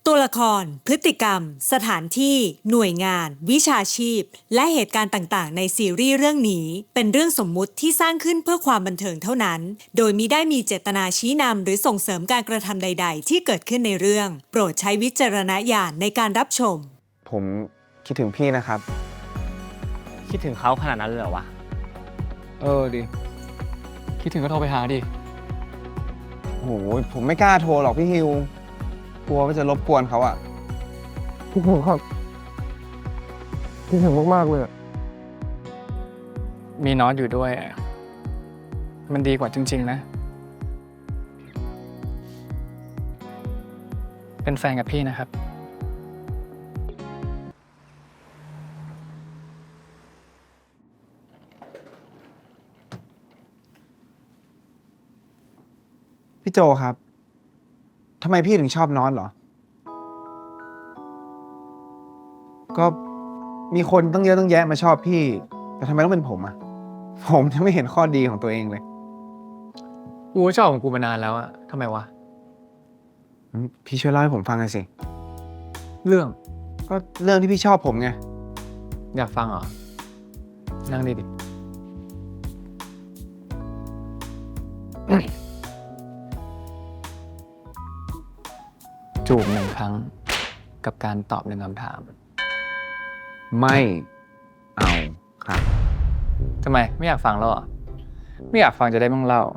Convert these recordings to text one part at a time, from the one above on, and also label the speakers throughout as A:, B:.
A: ตัวละคร พฤติกรรม สถานที่ หน่วยงาน วิชาชีพ และเหตุการณ์ต่างๆในซีรีส์เรื่องนี้เป็นเรื่องสมมุติที่สร้างขึ้นเพื่อความบันเทิงเท่านั้น โดยมิได้มีเจตนาชี้นำหรือส่งเสริมการกระทำใดๆที่เกิดขึ้นในเรื่องโปรดใช้วิจารณญาณในการรับชม
B: ผมคิดถึงพี่นะครับ
C: คิดถึงเขาขนาดนั้นเลยเหรอวะ
B: ดิ
D: คิดถึงก็โทรไปหาดิ
B: โหผมไม่กล้าโทรหรอกพี่ฮิวกลัวว่าจะรบกวนเขาอะ
E: คิดถึงครับคิดถึงมากๆเลย
D: มีน็อตอยู่ด้วยมันดีกว่าจริงๆนะเป็นแฟนกับพี่นะครับ
B: พี่โจครับทำไมพี่ถึงชอบนอนเหรอก็มีคนตั้งเยอะตั้งแยะมาชอบพี่แต่ทำไมต้องเป็นผมอะผมยังไม่เห็นข้อดีของตัวเองเลย
D: กูก็ชอบของกูมานานแล้วอะทำไมวะ
B: พี่ช่วยเล่าให้ผมฟังหน่อยสิ
D: เรื่อง
B: ก็เรื่องที่พี่ชอบผมไง
D: อยากฟังเหรอนั่งดิจูบ1 ครั้งกับการตอบ1 คำถาม
B: ไม่เอาครับ
D: ทำไมไม่อยากฟังแล้วเหรอไม่อยากฟังจะได้ไม่ต้องเล่า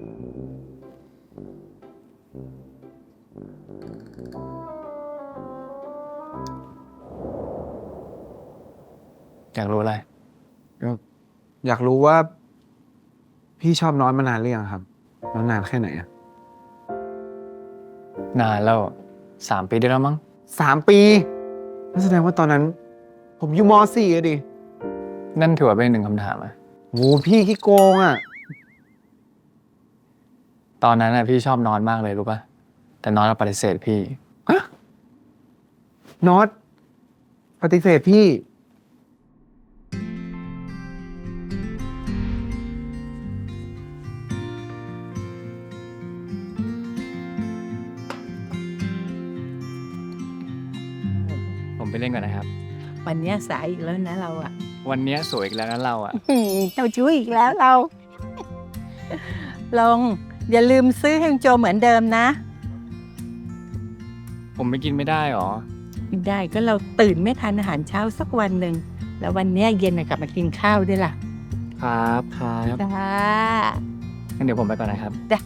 D: อยากรู้อะไร
B: ก็อยากรู้ว่าพี่ชอบนอนมานานหรือยังครับแล้วนานแค่ไหนอะ
D: นานแล้ว3 ปีได้แล้วมั้ง
B: 3 ปีนั่นแสดงว่าตอนนั้นผมอยู่ม.4อะดิ
D: นั่นถือว่าเป็น1 คำถามอะ
B: โหพี่ขี้โกงอะ
D: ตอนนั้นพี่ชอบนอนมากเลยรู้ป่ะแต่นอนปฏิเสธพี่
B: ฮะนอตปฏิเสธพี่
D: ผมไปเล่นก่อนนะครับ
F: วันนี้สายอีกแล้วนะเราอะ
D: วันนี้สวยอีกแล้วนะเราอะ
F: เจ้าชู้อีกแล้วเราลงอย่าลืมซื้อให้โจเหมือนเดิมนะ
D: ผมไม่กินไม่ได้หรอ
F: ไม่ได้ก็เราตื่นไม่ทันอาหารเช้าสักวันหนึ่งแล้ววันนี้เย็นกลับมากินข้าวด้วยล่ะ
D: ครับ
F: จ้า
D: งั้นเดี๋ยวผมไปก่อนนะครับ
F: จ้ะ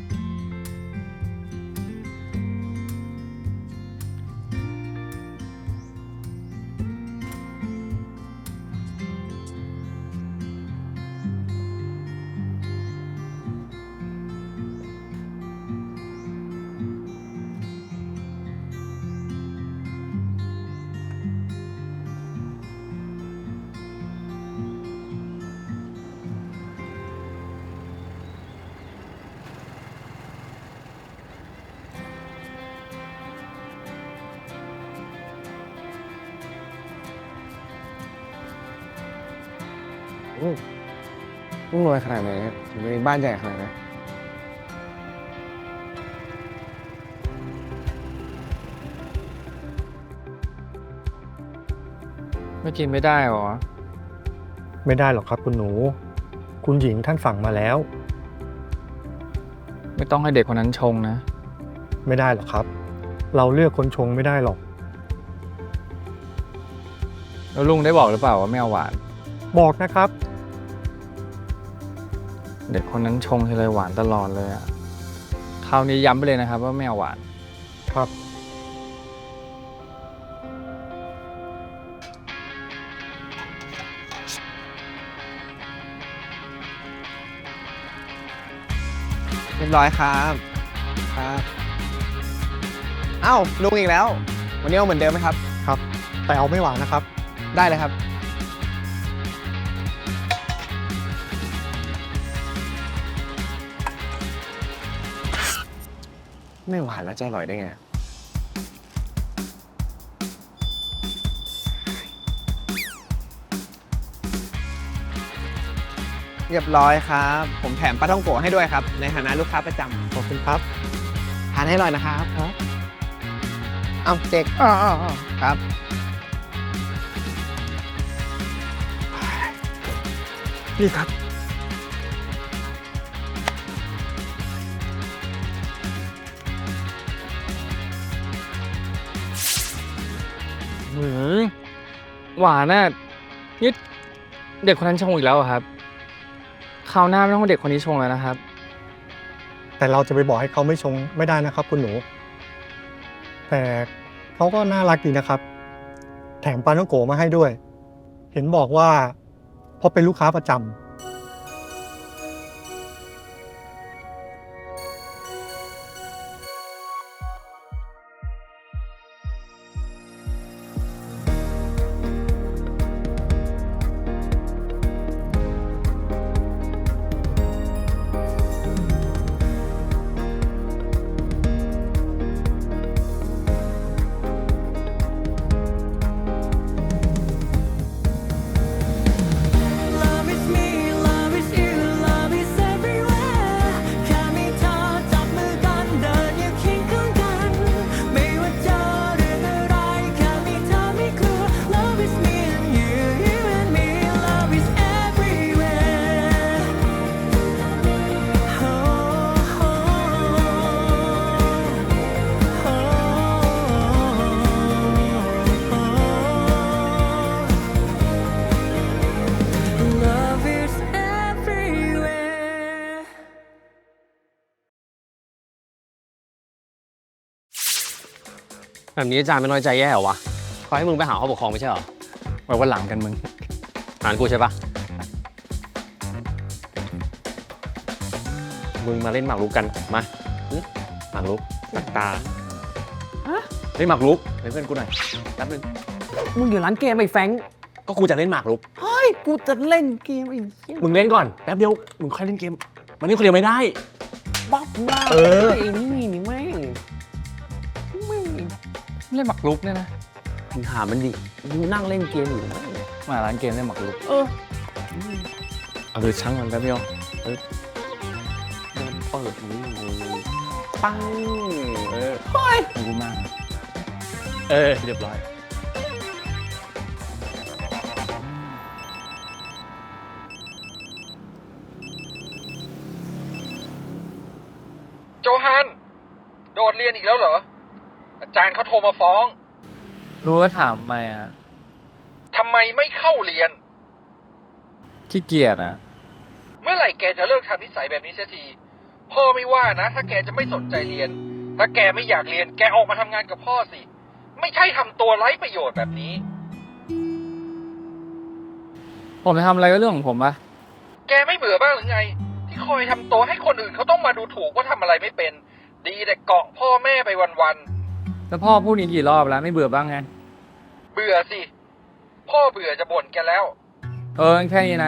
B: ต้องรวยขนาดไหนถึงมีบ้านใหญ่ขนาดนี้
D: ไม่กินไม่ได้หรอ
E: ไม่ได้หรอกครับคุณหนูคุณหญิงท่านสั่งมาแล้ว
D: ไม่ต้องให้เด็กคนนั้นชงนะ
E: ไม่ได้หรอกครับเราเลือกคนชงไม่ได้หรอก
D: แล้วลุงได้บอกหรือเปล่าว่าไม่เอาหวาน
E: บอกนะครับ
D: เด็กคนนั้นชงทีไรหวานตลอดเลยอะคราวนี้ย้ำไปเลยนะครับว่าไม่เอาหวาน
E: ครับ
B: เรียบร้อยครับเอ้าลุงอีกแล้ววันนี้เอาเหมือนเดิมไหมครับ
E: ครับแต่เอาไม่หวานนะครับ
B: ได้เลยครับไม่หวานแล้วจะอร่อยได้ไงเรียบร้อยครับผมแถมปลาท่องโกะให้ด้วยครับในฐานะลูกค้าประจำ
E: ขอบคุณครับ
B: ทานให้อร่อยนะครับเอาเจ๊กครับ
E: นี่ครับ
D: หวานน่ะนี่เด็กคนนั้นชงอีกแล้วเหรอครับคราวหน้าไม่ต้องให้เด็กคนนี้ชงแล้วนะครับ
E: แต่เราจะไปบอกให้เขาไม่ชงไม่ได้นะครับ คุณหนู แต่เขาก็น่ารักดีนะครับ แถมปลาท่องโกมาให้ด้วย เห็นบอกว่าเพราะเป็นลูกค้าประจำ
G: Love is me, love is you, love is everywhere แค่มีเธอจับมือกันเดินอยู่เคียงข้างกัน ไม่ว่าเจอเรื่องอะไรแค่มีเธอไม่กลัว Love is me and you, you and me, love is everywhere. Oh, oh, Love is everywhere.
C: แบบนี้อาจารย์ไม่น้อยใจแย่เหรอวะเขาให้มึงไปหาผู้ปกครองไม่ใช่เหรอ
D: ไว้วันหลังกันมึง
C: หานกูใช่ปะมึงมาเล่นหมากรุกกัน มาหมากรุกตักตาเล่นหมากรุกเป็นเพื่อนกูหน่อยแป๊บนึงมึงอยู่ร้านเกมไอ้แฟงก็กูจะเล่นหมากรุกเฮ้ยกูจะเล่นเกมไอ้มึงเล่นก่อนแป๊บเดียวมึงค่อยเล่นเกมมันนี่คนเดียวไม่ได้บ้าไอ้นี่แม่ง
D: เล่นหมากรุกเนี่ยนะ
C: มึงถามมันดิมึงนั่งเล่นเกมอยู่
D: มาร้านเกมเล่นหมากรุก
C: ช่างมันแป๊บเดียวเดินเปิดนี่ปัง
D: รู้มาก
C: เรียบร้อย
H: โจฮัน โดดเรียนอีกแล้วเหรอ อาจารย์เขาโทรมาฟ้อง
D: รู้ว่าถามไหมอ่ะ
H: ทำไมไม่เข้าเรียน
D: ขี้เกียจอ่ะ
H: เมื่อไหร่แกจะเลิกทำนิสัยแบบนี้เสียที พ่อไม่ว่านะ ถ้าแกจะไม่สนใจเรียน ถ้าแกไม่อยากเรียน แกออกมาทำงานกับพ่อสิ ไม่ใช่ทำตัวไร้ประโยชน์แบบนี้
D: ผมจะทำอะไรก็เรื่องของผมปะ
H: แกไม่เบื่อบ้างหรือไง ที่คอยทำตัวให้คนอื่นเขาต้องมาดูถูกว่าทำอะไรไม่เป็น ดีแต่เกาะพ่อแม่ไปวัน
D: แล้วพ่อพูดนี้กี่รอบแล้วไม่เบื่อบ้างไง
H: ๆ เบื่อสิ พ่อเบื่อจะบ่นแกแล้ว
D: แค่นี้นะ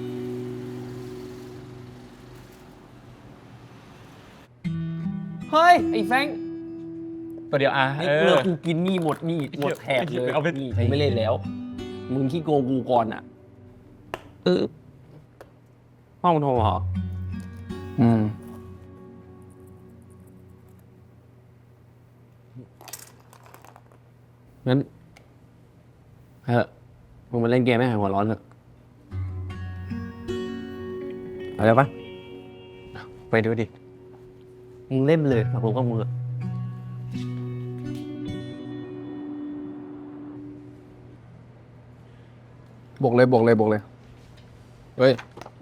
C: เฮ้ย ไอ้แฟง
D: ตัวเดียวอ่ะ
C: นี่เลือกกูกินนี่หมดนี่หมดแถบเลยนี่ใช้ไม่เล่นแล้ว มึงขี้โกงกูก่อนอ่ะพ่อมึงโทรมาเหรอ
D: อืม
C: งั้นมึงมาเล่นเกมไม่หายหัวร้อนเถอะเอาเลยปะไปดูดิ มึงเล่นเลยผมก็มือ
D: บวกเลยเฮ้ย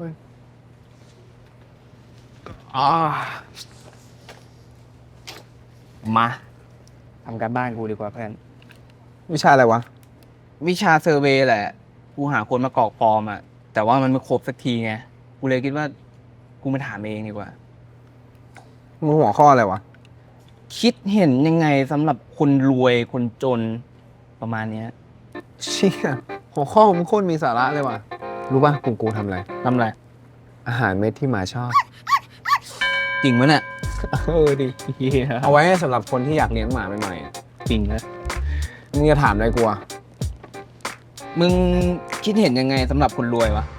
D: มาทำการบ้านกูดีกว่าเพื่อน
B: วิชาอะไรวะ
D: วิชาเซอร์เวย์แหละ กูหาคนมากรอกฟอร์มอ่ะ แต่ว่ามันไม่ครบสักทีไง กูเลยคิดว่า กูมาถามเองดีกว่า
B: มึงหัวข้ออะไรวะ
D: คิดเห็นยังไงสำหรับคนรวยคนจนประมาณเนี้ย
B: เชี่ยหัวข้อมึงโคตรมีสาระเลยว่ะ รู้ป่ะกลุ่มกูทำอะไร
D: ทำอะไร
B: อาหารเม็ดที่หมาชอบ
D: จริงมั้ยเนี่ย
B: ดิ เอาไว้ให้สำหรับคนที่อยากเลี้ยงหมาใหม่ๆอะ
D: จริงนะ
B: มึงจะถามอะไรกูอะ
D: มึงคิดเห็นยังไงสำหรับคนรวยวะ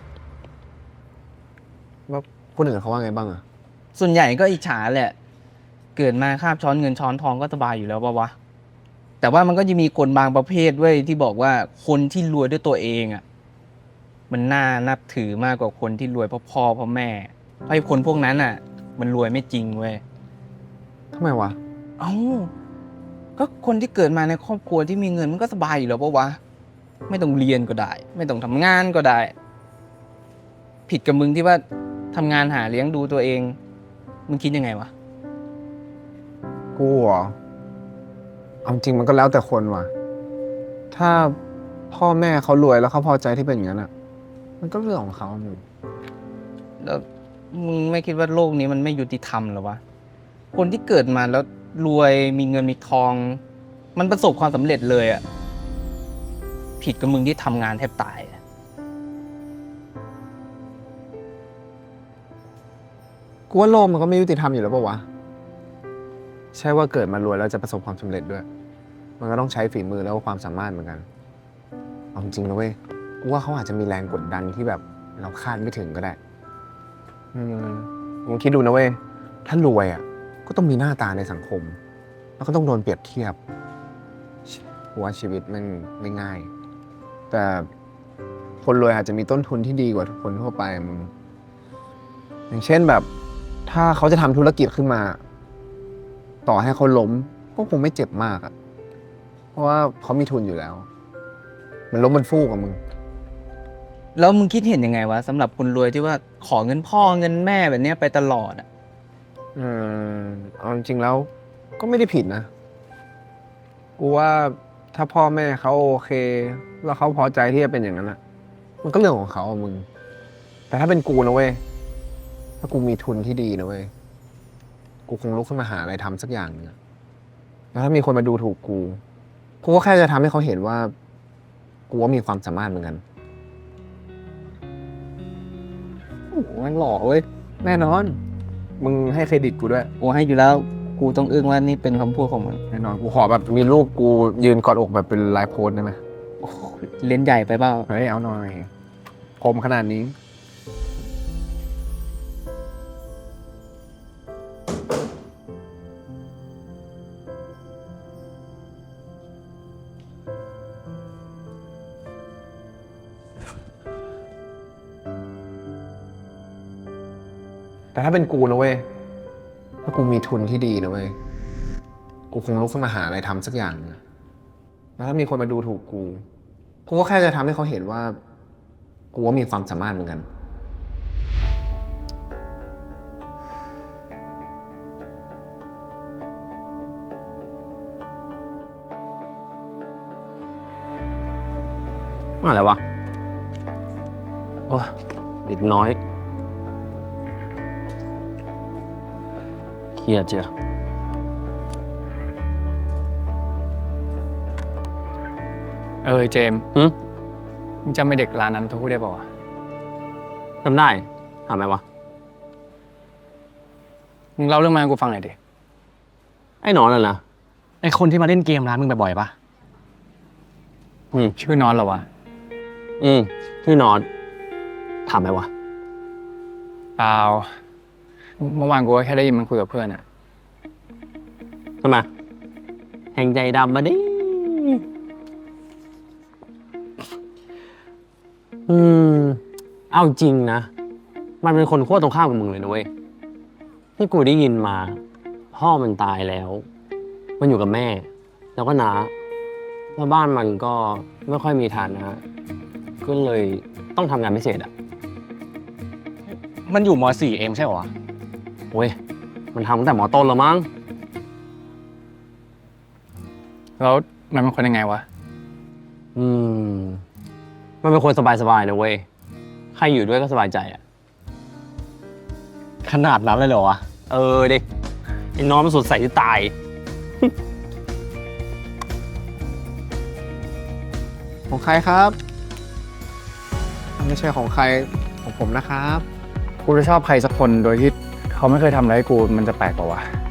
B: ว่าคนอื่นเขาว่าไงบ้างอะ
D: ส่วนใหญ่ก็อิจฉาแหละ เกิดมาคาบช้อนเงินช้อนทองก็สบายอยู่แล้วปะวะแต่ว่ามันก็จะมีคนบางประเภทด้วยที่บอกว่าคนที่รวยด้วยตัวเองอ่ะมันน่านับถือมากกว่าคนที่รวยเพราะพ่อเพราะแม่เพราะไอ้คนพวกนั้นอ่ะ มันรวยไม่จริงเว้ย
B: ทำไมวะ
D: เอ้าก็คนที่เกิดมาในครอบครัวที่มีเงินมันก็สบายอยู่แล้วปะวะไม่ต้องเรียนก็ได้ ไม่ต้องทำงานก็ได้ ผิดกับมึงที่ว่าทำงานหาเลี้ยงดูตัวเองมึงคิดยังไงวะ
B: กูเหรอเอาจริงมันก็แล้วแต่คนว่ะ ถ้าพ่อแม่เขารวยแล้วเขาพอใจที่เป็นอย่างนั้นอ่ะ มันก็เรื่องของเขามึง
D: แล้วมึงไม่คิดว่าโลกนี้มันไม่ยุติธรรมเหรอวะ คนที่เกิดมาแล้วรวยมีเงินมีทอง มันประสบความสำเร็จเลยอะผิดกับมึงที่ทำงานแทบตายอะ
B: กูว่าโลกมันก็ไม่ยุติธรรมอยู่แล้วปะวะ ใช่ว่าเกิดมารวยแล้วจะประสบความสำเร็จด้วย มันก็ต้องใช้ฝีมือแล้วก็ความสามารถเหมือนกันเอาจริงนะเว้ย กูว่าเขาอาจจะมีแรงกดดันที่แบบเราคาดไม่ถึงก็ได้ มึงคิดดูนะเว้ย ถ้ารวยอ่ะ ก็ต้องมีหน้าตาในสังคม แล้วก็ต้องโดนเปรียบเทียบกูว่าชีวิตมันไม่ง่าย แต่คนรวยอาจจะมีต้นทุนที่ดีกว่าคนทั่วไปมึง อย่างเช่นแบบ ถ้าเขาจะทำธุรกิจขึ้นมา ต่อให้เขาล้มก็คงไม่เจ็บมากอะเพราะว่าเขามีทุนอยู่แล้ว มันล้มมันฟูกกับมึง
D: แล้วมึงคิดเห็นยังไงวะสำหรับคนรวยที่ว่าขอเงินพ่อเงินแม่แบบเนี้ยไปตลอดอะ
B: เอาจริงๆแล้วก็ไม่ได้ผิดนะ กูว่าถ้าพ่อแม่เขาโอเค แล้วเขาพอใจที่จะเป็นอย่างนั้นอะมันก็เรื่องของเขาอะมึง แต่ถ้าเป็นกูนะเว้ย ถ้ากูมีทุนที่ดีนะเว้ย กูคงลุกขึ้นมาหาอะไรทำสักอย่างหนึงอะแล้วถ้ามีคนมาดูถูกกู กูก็แค่จะทำให้เขาเห็นว่า กูว่ามีความสามารถเหมือนกัน
D: โอ้โหมันหล่อเว้ย
B: แน่นอน มึงให้เครดิตกูด้วย
D: กูให้อยู่แล้ว กูต้องอึ้งว่านี่เป็นคำพูดของมึง
B: แน่นอน กูขอแบบมีรูปกูยืนกอดอกแบบเป็นลายโพสได้ไหม
D: โอ้โหเล่นใหญ่ไปเปล่า
B: เฮ้ย เอาหน่อยคมขนาดนี้ แต่ถ้าเป็นกูนะเว้ย ถ้ากูมีทุนที่ดีนะเว้ย กูคงลุกขึ้นมาหาอะไรทำสักอย่างนะแล้วถ้ามีคนมาดูถูกกู กูก็แค่จะทำให้เขาเห็นว่า กูว่ามีความสามารถเหมือนกัน
C: อะไรวะ โอ้ยเด็กน้อยเครียดเจ้ะ
I: เจมส์มึงจำไอ้เด็กร้านนั้นพูดได้ป่าวะ
C: ทำได้ทำไมวะ
I: มึงเล่าเรื่องมาให้กูฟังหน่อยดิ
C: ไอ้หนอนน่ะนะ
I: ไอ้คนที่มาเล่นเกมร้านมึงบ่อยๆปะชื่อนอนเหรอวะ
C: ชื่อนอนถามไหมวะ
I: เปล่า เมื่อวานกูก็แค่ได้ยินมันคุยกับเพื่อนอะ
C: ทำไมแห่งใจดำมาดิเอาจริงนะ มันเป็นคนขั้วตรงข้ามกับมึงเลยนะเว้ย ที่กูได้ยินมา พ่อมันตายแล้ว มันอยู่กับแม่ แล้วก็น้าแล้วบ้านมันก็ไม่ค่อยมีฐานะก็เลยต้องทำงานพิเศษอ่ะ
I: มันอยู่ม.4 เองใช่เหรอวะ
C: โอ้ย มันทำตั้งแต่ม.ต้นแล้วมั้ง
I: แล้วมันเป็นคนยังไงวะ
C: มันเป็นคนสบายๆนะเว้ย ใครอยู่ด้วยก็สบายใจอ่ะ
I: ขนาดนั้นเลยเหรอวะ
C: เด็กไอ้น้องมันสดใสที่ตาย
B: ของใครครับ ไม่ใช่ของใครของผมนะครับ
I: กูจะชอบใครสักคนโดยที่เขาไม่เคยทำอะไรให้กูมันจะแปลกกว่าวะ